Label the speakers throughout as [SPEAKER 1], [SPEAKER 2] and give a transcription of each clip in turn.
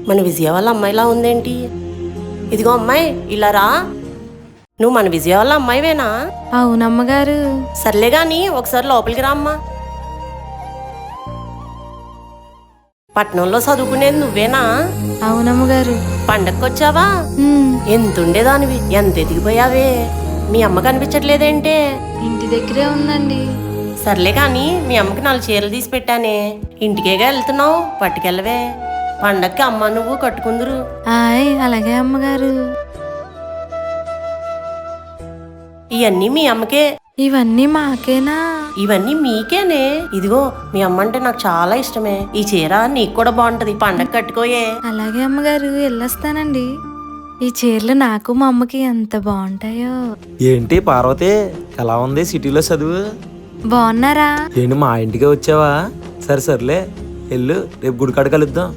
[SPEAKER 1] మన విజయ వాళ్ళ అమ్మాయిలా ఉందేంటి? ఇదిగో అమ్మాయి, ఇలా రా. నువ్వు మన విజయ వాళ్ళ అమ్మాయివేనా?
[SPEAKER 2] అవునమ్మగారు.
[SPEAKER 1] సర్లే గాని ఒకసారి లోపలికి రా అమ్మా. పట్నంలో చదువుకునేది నువ్వేనా?
[SPEAKER 2] అవునమ్మగారు.
[SPEAKER 1] పండక్కొచ్చావా? ఎంతుండేదానివి, ఎంత ఎదిగిపోయావే. మీ అమ్మ కనిపించట్లేదేంటే?
[SPEAKER 2] ఇంటి దగ్గరే ఉందండి.
[SPEAKER 1] సర్లే కాని మీ అమ్మకి 4 చీరలు తీసి పెట్టానే, ఇంటికేగా వెళ్తున్నావు, పట్టుకెళ్ళవే. పండక్కి అమ్మ నువ్వు కట్టుకుందురు.
[SPEAKER 2] అలాగే అమ్మగారు.
[SPEAKER 1] ఇవన్నీ మీ అమ్మకే.
[SPEAKER 2] ఇవన్నీ మాకేనా?
[SPEAKER 1] ఇవన్నీ మీకేనే. ఇదిగో మీ అమ్మ అంటే నాకు చాలా ఇష్టమే. ఈ చీర నీకు కూడా బాగుంటది, పండగ కట్టుకోయే.
[SPEAKER 2] అలాగే అమ్మగారు, వెళ్ళొస్తానండి. ఈ చీరలు నాకు మా అమ్మకి ఎంత బాగుంటాయో.
[SPEAKER 3] ఏంటి పార్వతి, ఎలా ఉంది సిటీలో చదువు?
[SPEAKER 2] బాగున్నారా?
[SPEAKER 3] ఏంటి మా ఇంటికే వచ్చావా? సర్లే వెళ్ళు, రేపు గుడికాడ కలుద్దాం.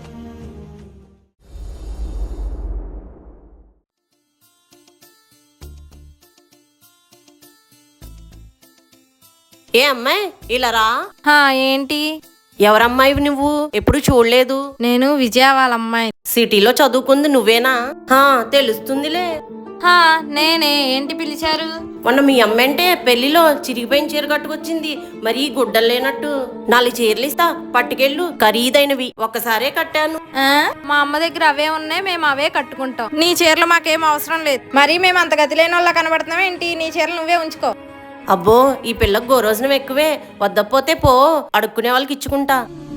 [SPEAKER 1] ఏ అమ్మాయి, ఇలా రా.
[SPEAKER 2] ఏంటి?
[SPEAKER 1] ఎవరమ్మాయివి నువ్వు? ఎప్పుడు చూడలేదు.
[SPEAKER 2] నేను విజయ వాళ్ళ అమ్మాయి.
[SPEAKER 1] సిటీలో చదువుకుంది నువ్వేనా? తెలుస్తుందిలే.
[SPEAKER 2] నేనే. ఏంటి పిలిచారు?
[SPEAKER 1] మొన్న మీ అమ్మంటే పెళ్లిలో చిరిగిపోయిన చీర కట్టుకొచ్చింది, మరీ గుడ్డలు లేనట్టు. 4 చీరలు ఇస్తా, పట్టుకెళ్ళు, ఖరీదైనవి. ఒక్కసారే కట్టాను.
[SPEAKER 2] మా అమ్మ దగ్గర అవే ఉన్నాయి, మేము అవే కట్టుకుంటాం. నీ చీరలు మాకేం అవసరం లేదు. మరి మేము అంత గతి లేని వాళ్ళ కనబడుతున్నాం ఏంటి? నీ చీరలు నువ్వే ఉంచుకో.
[SPEAKER 1] అబ్బో, ఈ పిల్లకు గోరోజనం ఎక్కువే. వద్దపోతే పో, అడుక్కునే వాళ్ళకి ఇచ్చుకుంటా.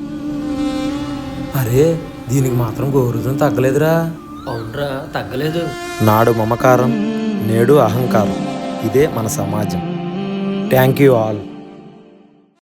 [SPEAKER 3] అరే, దీనికి మాత్రం గౌరవం తగ్గలేదురా.
[SPEAKER 4] అవునరా, తగ్గలేదు.
[SPEAKER 3] నాడు మమకారం, నేడు అహంకారం. ఇదే మన సమాజం. Thank you all.